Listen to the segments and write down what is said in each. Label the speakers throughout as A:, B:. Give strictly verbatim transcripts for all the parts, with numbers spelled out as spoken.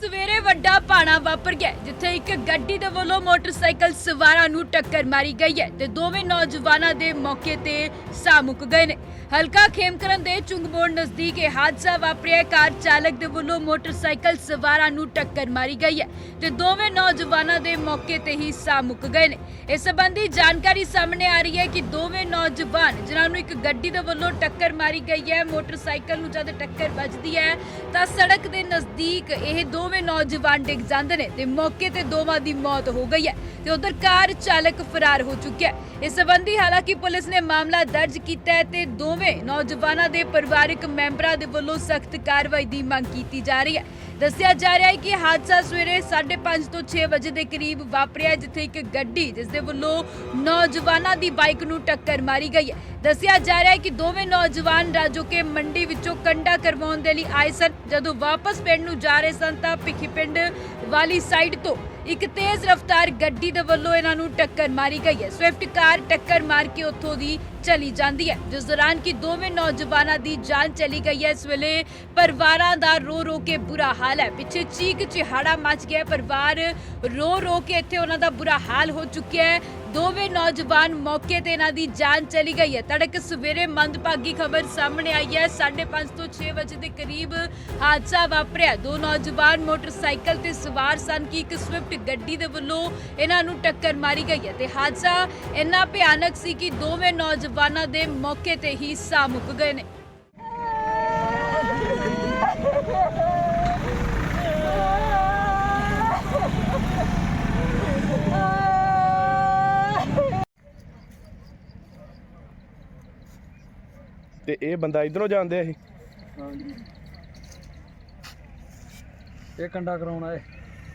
A: ਸਵੇਰੇ ਵੱਡਾ ਭਾਣਾ ਵਾਪਰ ਗਿਆ ਜਿੱਥੇ ਇੱਕ ਗੱਡੀ ਦੇ ਵੱਲੋਂ ਮੋਟਰਸਾਈਕਲ ਸਵਾਰਾਂ ਨੂੰ ਟੱਕਰ ਮਾਰੀ ਗਈ ਹੈ ਤੇ ਦੋਵੇਂ ਨੌਜਵਾਨਾਂ ਦੇ ਮੌਕੇ ਤੇ ਸਾਹ ਮੁੱਕ ਗਏ ਨੇ। ਹਲਕਾ ਖੇਮਕਰਨ ਦੇ ਚੁੰਗਮੋੜ ਨਜ਼ਦੀਕ ਇਹ ਹਾਦਸਾ ਵਾਪਰਿਆ। ਕਾਰ ਚਾਲਕ ਦੇ ਵੱਲੋਂ ਮੋਟਰਸਾਈਕਲ ਸਵਾਰਾਂ ਨੂੰ ਟੱਕਰ ਮਾਰੀ ਗਈ ਹੈ ਤੇ ਦੋਵੇਂ ਨੌਜਵਾਨਾਂ ਦੇ ਮੌਕੇ ਤੇ ਹੀ ਸਾਹ ਮੁੱਕ ਗਏ ਨੇ। ਇਸ ਸੰਬੰਧੀ ਜਾਣਕਾਰੀ ਸਾਹਮਣੇ ਆ ਰਹੀ ਹੈ ਕਿ ਦੋਵੇਂ ਨੌਜਵਾਨ ਜਿਨ੍ਹਾਂ ਨੂੰ ਇੱਕ ਗੱਡੀ ਦੇ ਵੱਲੋਂ ਟੱਕਰ ਮਾਰੀ ਗਈ ਹੈ, ਮੋਟਰਸਾਈਕਲ ਨੂੰ ਜਦ ਟੱਕਰ ਵੱਜਦੀ ਹੈ ਤਾਂ ਸੜਕ ਦੇ ਨਜ਼ਦੀਕ ਇਹ ਦੋਵੇਂ ਨੌਜਵਾਨ ਡਿੱਗ ਜਾਂਦੇ ਨੇ ਤੇ ਮੌਕੇ ਤੇ ਦੋਵਾਂ ਦੀ ਮੌਤ ਹੋ ਗਈ ਹੈ ਤੇ ਉਧਰ ਕਾਰ ਚਾਲਕ ਫਰਾਰ ਹੋ ਚੁੱਕਿਆ ਹੈ। ਇਸ ਸੰਬੰਧੀ ਹਾਲਾਂਕਿ ਪੁਲਿਸ ਨੇ ਮਾਮਲਾ ਦਰਜ ਕੀਤਾ ਹੈ ਤੇ ਦੋਵੇਂ ਨੌਜਵਾਨਾਂ ਦੇ ਪਰਿਵਾਰਕ ਮੈਂਬਰਾਂ ਦੇ ਵੱਲੋਂ ਸਖਤ ਕਾਰਵਾਈ ਦੀ ਮੰਗ ਕੀਤੀ ਜਾ ਰਹੀ ਹੈ। ਦੱਸਿਆ ਜਾ ਰਿਹਾ ਹੈ ਕਿ ਹਾਦਸਾ ਸਵੇਰੇ ਸਾਢੇ ਪੰਜ ਤੋਂ ਛੇ ਵਜੇ ਦੇ ਕਰੀਬ ਵਾਪਰਿਆ ਜਿੱਥੇ ਇੱਕ ਗੱਡੀ ਜਿਸ ਦੇ ਵੱਲੋਂ ਨੌਜਵਾਨਾਂ ਦੀ ਬਾਈਕ ਨੂੰ ਟੱਕਰ ਮਾਰੀ ਗਈ ਹੈ। ਦੱਸਿਆ ਜਾ ਰਿਹਾ ਹੈ ਕਿ ਦੋਵੇਂ ਨੌਜਵਾਨ ਰਾਜੋਕੇ ਮੰਡੀ ਵਿੱਚੋਂ ਕੰਡਾ ਕਰਵਾਉਣ ਦੇ ਲਈ ਆਏ ਸਨ। ਜਦੋਂ ਵਾਪਸ ਪਿੰਡ ਨੂੰ ਜਾ ਰਹੇ ਸਨ ਤਾਂ ਭਿੱਖੀ ਪਿੰਡ ਵਾਲੀ ਸਾਈਡ ਤੋਂ ਇੱਕ ਤੇਜ਼ ਰਫ਼ਤਾਰ ਗੱਡੀ ਦੇ ਵੱਲੋਂ ਇਹਨਾਂ ਨੂੰ ਟੱਕਰ ਮਾਰੀ ਗਈ ਹੈ। ਸਵਿਫਟ ਕਾਰ ਟੱਕਰ ਮਾਰ ਕੇ ਉੱਥੋਂ ਦੀ ਚਲੀ ਜਾਂਦੀ ਹੈ ਜਿਸ ਦੌਰਾਨ ਕਿ ਦੋਵੇਂ ਨੌਜਵਾਨਾਂ ਦੀ ਜਾਨ ਚਲੀ ਗਈ ਹੈ। ਇਸ ਵੇਲੇ ਪਰਿਵਾਰਾਂ ਦਾ ਰੋ ਰੋ ਕੇ ਬੁਰਾ ਹਾਲ ਹੈ। ਪਿੱਛੇ ਚੀਕ ਚਿਹਾੜਾ ਮਚ ਗਿਆ। ਪਰਿਵਾਰ ਰੋ ਰੋ ਕੇ ਇੱਥੇ ਉਹਨਾਂ ਦਾ ਬੁਰਾ ਹਾਲ ਹੋ ਚੁੱਕਿਆ ਹੈ। ਦੋਵੇਂ ਨੌਜਵਾਨ ਮੌਕੇ ਤੇ ਇਹਨਾਂ ਦੀ ਜਾਨ ਚਲੀ ਗਈ ਹੈ। ਤੜਕ ਸਵੇਰੇ ਮੰਦਭਾਗੀ ਖਬਰ ਸਾਹਮਣੇ ਆਈ ਹੈ। ਸਾਢੇ ਪੰਜ ਤੋਂ ਛੇ ਵਜੇ ਦੇ ਕਰੀਬ ਹਾਦਸਾ ਵਾਪਰਿਆ। ਦੋ ਨੌਜਵਾਨ ਮੋਟਰਸਾਈਕਲ ਤੇ ਸਵਾਰ ਸਨ ਕਿ ਇੱਕ ਸਵਿਫਟ ਗੱਡੀ ਦੇ ਵੱਲੋਂ ਇਹਨਾਂ ਨੂੰ ਟੱਕਰ ਮਾਰੀ ਗਈ ਹੈ ਤੇ ਹਾਦਸਾ ਇੰਨਾ ਭਿਆਨਕ ਸੀ ਕਿ ਦੋਵੇਂ ਨੌਜਵਾਨਾਂ ਦੇ ਮੌਕੇ ਤੇ ਹੀ ਸਾਹ ਮੁੱਕ ਗਏ ਨੇ।
B: ਤੇ ਇਹ ਬੰਦਾ ਇਧਰੋਂ ਜਾਂਦੇ ਸੀ,
C: ਇਹ ਕੰਡਾ ਕਰਾਉਣਾ ਹੈ।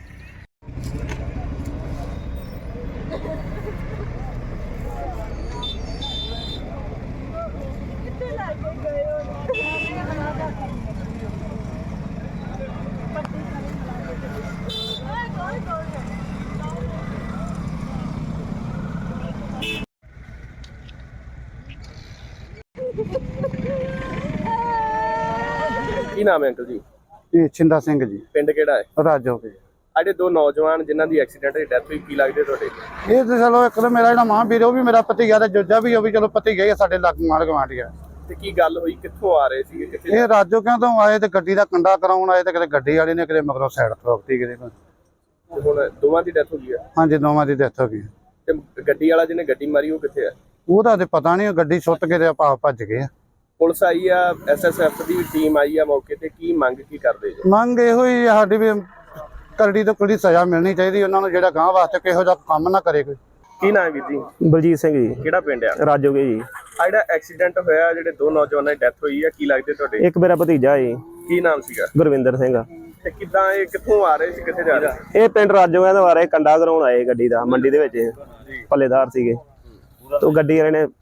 B: ਕੀ ਨਾਮ ਹੈ ਅੰਕਲ ਜੀ?
D: ਇਹ ਛਿੰਦਾ ਸਿੰਘ ਜੀ,
B: ਪਿੰਡ ਕਿਹੜਾ ਹੈ?
D: ਰਾਜੋਕੇ।
B: ਸਾਡੇ ਦੋ ਨੌਜਵਾਨ ਜਿਨ੍ਹਾਂ ਦੀ ਐਕਸੀਡੈਂਟ ਦੀ ਡੈਥ ਹੋਈ, ਕੀ ਲੱਗਦੇ ਤੁਹਾਡੇ?
D: ਇਹ ਤੇ ਚਲੋ ਇੱਕ ਤਾਂ ਮੇਰਾ ਜਿਹੜਾ ਮਾਂ ਵੀਰ ਉਹ ਵੀ ਮੇਰਾ ਭਤੀਜਾ ਤੇ ਜੋਜਾ ਵੀ ਉਹ ਵੀ ਚਲੋ ਭਤੀਜਾ ਹੀ ਆ ਸਾਡੇ ਲੱਗ ਮਾਰ ਗਵਾਂਢ ਗਿਆ।
B: ਤੇ ਕੀ ਗੱਲ ਹੋਈ, ਕਿੱਥੋਂ ਆ ਰਹੇ ਸੀਗੇ, ਕਿੱਥੇ?
D: ਇਹ ਰਾਜੋਕਿਆਂ ਤੋਂ ਆਏ ਤੇ ਗੱਡੀ ਦਾ ਕੰਡਾ ਕਰਾਉਣ ਆਏ ਤੇ ਕਿਤੇ ਗੱਡੀ ਵਾਲੇ ਨੇ ਕਿਤੇ ਮਗਰੋਂ ਸਾਈਡ ਠੋਕਤੀ ਕਿਤੇ।
B: ਤੇ ਹੁਣ ਦੋਵਾਂ ਦੀ ਡੈਥ ਹੋ ਗਈ ਹੈ।
D: ਹਾਂਜੀ, ਦੋਵਾਂ ਦੀ ਡੈਥ ਹੋ ਗਈ।
B: ਤੇ ਗੱਡੀ ਵਾਲਾ ਜਿਹਨੇ ਗੱਡੀ ਮਾਰੀ ਉਹ ਕਿੱਥੇ ਹੈ?
D: ਉਹਦਾ ਤੇ ਪਤਾ ਨਹੀਂ, ਗੱਡੀ ਸੁੱਟ ਕੇ ਤੇ ਆਪਾਂ ਭੱਜ ਗਏ।
B: ਪੁਲਿਸ ਆਈ ਆ, ਐਸ ਐਸ ਐਫ ਦੀ ਟੀਮ ਆਈ ਆ ਮੌਕੇ ਤੇ, ਕੀ ਮੰਗ ਕੀ ਕਰਦੇ ਜੀ?
D: ਮੰਗ ਇਹੋ ਹੀ ਆ ਸਾਡੀ ਵੀ ਕਰੜੀ ਤੋਂ ਕੋਈ ਸਜ਼ਾ ਮਿਲਣੀ ਚਾਹੀਦੀ ਉਹਨਾਂ ਨੂੰ, ਜਿਹੜਾ ਗਾਂ ਵਾਸਤੇ ਕਿਹੋ ਜਿਹਾ ਕੰਮ ਨਾ ਕਰੇ ਕੋਈ।
B: ਕੀ ਨਾਮ ਵੀਰ ਜੀ?
E: ਬਲਜੀਤ ਸਿੰਘ ਜੀ।
B: ਕਿਹੜਾ ਪਿੰਡ ਆ?
E: ਰਾਜੋਗੇ ਜੀ।
B: ਆ ਜਿਹੜਾ ਐਕਸੀਡੈਂਟ ਹੋਇਆ, ਜਿਹੜੇ ਦੋ ਨੌਜਵਾਨਾਂ ਦੀ ਡੈਥ ਹੋਈ ਆ, ਕੀ ਲੱਗਦੇ ਤੁਹਾਡੇ?
E: ਇੱਕ ਮੇਰਾ ਭਤੀਜਾ ਜੀ।
B: ਕੀ ਨਾਮ ਸੀਗਾ?
E: ਗੁਰਵਿੰਦਰ ਸਿੰਘ।
B: ਤੇ ਕਿੱਦਾਂ ਇਹ ਕਿੱਥੋਂ ਆ ਰਹੇ ਸੀ, ਕਿੱਥੇ ਜਾ ਰਹੇ ਸੀ?
E: ਇਹ ਪਿੰਡ ਰਾਜੋਗੇ ਦੇ ਬਾਰੇ ਕੰਡਾ ਕਰਾਉਣ ਆਏ ਗੱਡੀ ਦਾ, ਮੰਡੀ ਦੇ ਵਿੱਚ ਪੱਲੇਦਾਰ ਸੀਗੇ। ਤੋਂ ਗੱਡੀ ਵਾਲੇ ਨੇ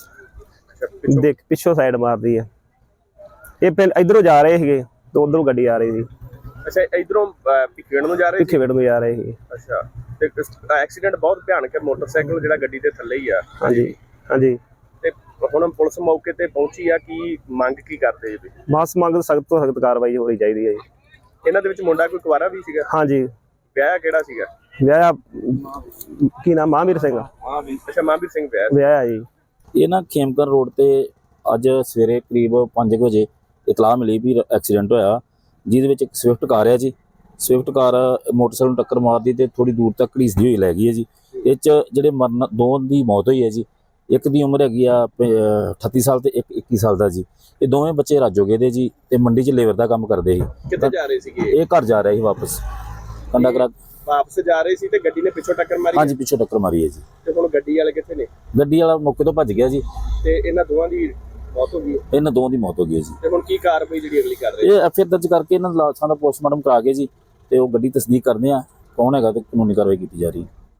E: ਦੇਖ ਪਿੱਛੋਂ ਸਾਈਡ ਮਾਰਦੀ ਹੈ। ਇਹ ਪਿੰਡ ਇਧਰੋਂ ਜਾ ਰਹੇ ਸੀਗੇ ਤੇ ਉਧਰੋਂ ਗੱਡੀ ਆ ਰਹੀ ਸੀ।
B: ਅੱਛਾ, ਇਧਰੋਂ ਭਿੱਖੀਵਿੰਡ ਨੂੰ ਜਾ ਰਹੇ ਸੀ?
E: ਭਿੱਖੀਵਿੰਡ ਨੂੰ ਜਾ ਰਹੇ ਸੀ।
B: ਅੱਛਾ, ਤੇ ਐਕਸੀਡੈਂਟ ਬਹੁਤ ਭਿਆਨਕ ਹੈ, ਮੋਟਰਸਾਈਕਲ ਜਿਹੜਾ ਗੱਡੀ ਦੇ ਥੱਲੇ ਹੀ ਆ।
E: ਹਾਂਜੀ ਹਾਂਜੀ।
B: ਤੇ ਹੁਣ ਪੁਲਿਸ ਮੌਕੇ ਤੇ ਪਹੁੰਚੀ ਆ, ਕੀ ਮੰਗ ਕੀ ਕਰਦੇ ਜੀ?
E: ਬਸ ਮੰਗ ਸਖਤ ਤੋਂ ਸਖਤ ਕਾਰਵਾਈ ਹੋਣੀ ਚਾਹੀਦੀ ਹੈ ਜੀ।
B: ਇਹਨਾਂ ਦੇ ਵਿੱਚ ਮੁੰਡਾ ਕੋਈ ਕੁਵਾਰਾ ਵੀ ਸੀਗਾ?
E: ਹਾਂਜੀ।
B: ਵਿਆਹ ਕਿਹੜਾ ਸੀਗਾ?
E: ਵਿਆਹ ਕੀ ਨਾਮ? ਮਹਾਂਵੀਰ ਸਿੰਘ।
B: ਅੱਛਾ, ਮਹਾਂਵੀਰ ਸਿੰਘ ਵਿਆਹ
E: ਵਿਆਹ ਜੀ।
F: ਇਹ ਨਾ ਖੇਮਕਰਨ ਰੋਡ ਤੇ ਅੱਜ ਸਵੇਰੇ ਕਰੀਬ ਪੰਜ ਵਜੇ ਇਤਲਾਹ ਮਿਲੀ ਵੀ ਐਕਸੀਡੈਂਟ ਹੋਇਆ, ਜਿਹਦੇ ਵਿੱਚ ਇੱਕ ਸਵਿਫਟ ਕਾਰ ਹੈ ਜੀ। ਸਵਿਫਟ ਕਾਰ ਮੋਟਰਸਾਈਕਲ ਨੂੰ ਟੱਕਰ ਮਾਰਦੀ ਤੇ ਥੋੜੀ ਦੂਰ ਤੱਕ ਘੜੀਸਦੀ ਹੋਈ ਲੈ ਗਈ ਹੈ ਜੀ। ਇਹ 'ਚ ਜਿਹੜੇ ਮਰਨ ਦੋ ਦੀ ਮੌਤ ਹੋਈ ਹੈ ਜੀ। ਇੱਕ ਦੀ ਉਮਰ ਹੈਗੀ ਆ ਅਠੱਤੀ ਸਾਲ ਤੇ ਇੱਕ ਇੱਕੀ ਸਾਲ ਦਾ ਜੀ। ਇਹ ਦੋਵੇਂ ਬੱਚੇ ਰਾਜੋਗੇ ਦੇ ਜੀ ਤੇ ਮੰਡੀ 'ਚ ਲੇਬਰ ਦਾ ਕੰਮ ਕਰਦੇ ਸੀ।
B: ਕਿੱਥੇ ਜਾ ਰਹੇ ਸੀਗੇ?
F: ਇਹ ਘਰ ਜਾ ਰਿਹਾ ਸੀ ਵਾਪਸ, ਕੰਡਾ ਕਰਾ
B: ਵਾਪਸ ਜਾ ਰਹੇ ਸੀ ਤੇ ਗੱਡੀ ਨੇ ਪਿੱਛੋਂ ਟੱਕਰ ਮਾਰੀ?
F: ਹਾਂਜੀ, ਪਿੱਛੋਂ ਟੱਕਰ ਮਾਰੀ ਹੈ ਜੀ।
B: ਤੇ ਹੁਣ ਗੱਡੀ ਵਾਲੇ ਕਿੱਥੇ ਨੇ?
F: ਗੱਡੀ ਵਾਲਾ ਮੌਕੇ ਤੋਂ ਭੱਜ ਗਿਆ ਜੀ
B: ਤੇ ਇਹਨਾਂ ਦੋਵਾਂ ਦੀ ਮੌਤ ਹੋ ਗਈ?
F: ਇਹਨਾਂ ਦੋਵਾਂ ਦੀ ਮੌਤ ਹੋ ਗਈ ਹੈ ਜੀ।
B: ਤੇ ਹੁਣ ਕੀ ਕਾਰਵਾਈ ਜਿਹੜੀ ਅਗਲੀ ਕਰ ਰਹੇ?
F: ਇਹ ਐਫ ਆਈ ਆਰ ਦਰਜ ਕਰਕੇ ਇਹਨਾਂ ਲਾਸ਼ਾਂ ਦਾ ਪੋਸਟਮਾਰਟਮ ਕਰਾ ਕੇ ਜੀ ਤੇ ਉਹ ਗੱਡੀ ਤਸਦੀਕ ਕਰਦੇ ਆ ਕੌਣ ਹੈਗਾ ਤੇ ਕਾਨੂੰਨੀ ਕਾਰਵਾਈ ਕੀਤੀ ਜਾ ਰਹੀ ਹੈ।